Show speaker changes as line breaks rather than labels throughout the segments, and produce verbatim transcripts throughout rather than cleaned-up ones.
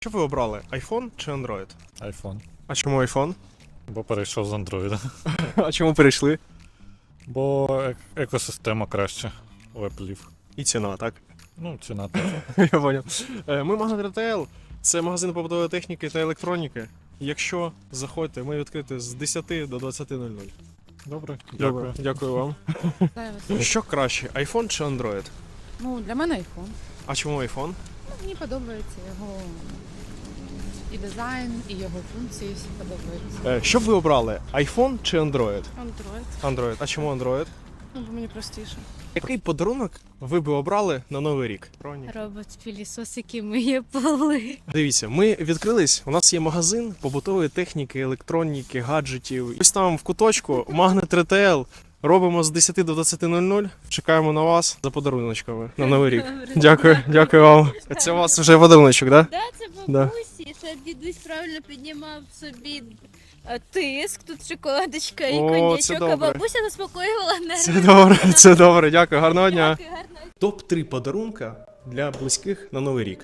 Що ви обрали? iPhone чи Android?
iPhone.
А чому iPhone?
Бо перейшов з Android.
А чому перейшли?
Бо ек- екосистема краще у Apple.
І ціна, так?
Ну, ціна теж.
Я поняв. Е, Ми Magnet Retail. Це магазин побутової техніки та електроніки. Якщо заходьте, ми відкриті з десяти до двадцяти нуль нуль.
Добре,
Добре,
дякую.
дякую вам.
Вітаю вас.
Що краще, iPhone чи Android?
Ну, для мене iPhone.
А чому iPhone?
Ну, мені подобається його і дизайн, і його функції всі подобаються.
Е, Що б ви обрали? iPhone чи Android?
Android.
Android. А чому Android?
Ну, бо мені простіше.
Який подарунок ви би обрали на Новий рік?
Робот-пилісос, який миє поли.
Дивіться, ми відкрились. У нас є магазин побутової техніки, електроніки, гаджетів. Ось там в куточку Magnet Retail. Робимо з десяти до двадцяти нуль нуль. Чекаємо на вас за подаруночками на Новий рік. Дякую, дякую вам. Це у вас вже подаруночок, так? Да?
Да, це
Да.
бабусі, щоб дідусь правильно піднімав собі е, тиск, тут шоколадочка і
О, це
коньячок, а
добре.
бабуся заспокоювала нерви.
Це добре, це добре. Дякую, гарного дня.
Дякую, гарно.
топ три подарунка для близьких на Новий рік.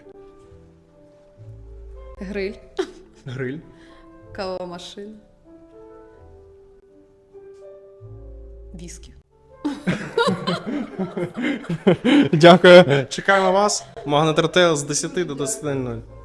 Гриль,
Гриль.
кавова машина. Віскі.
Дякую. Чекаємо вас. Magnet Retail з десяти до двадцяти нуль нуль.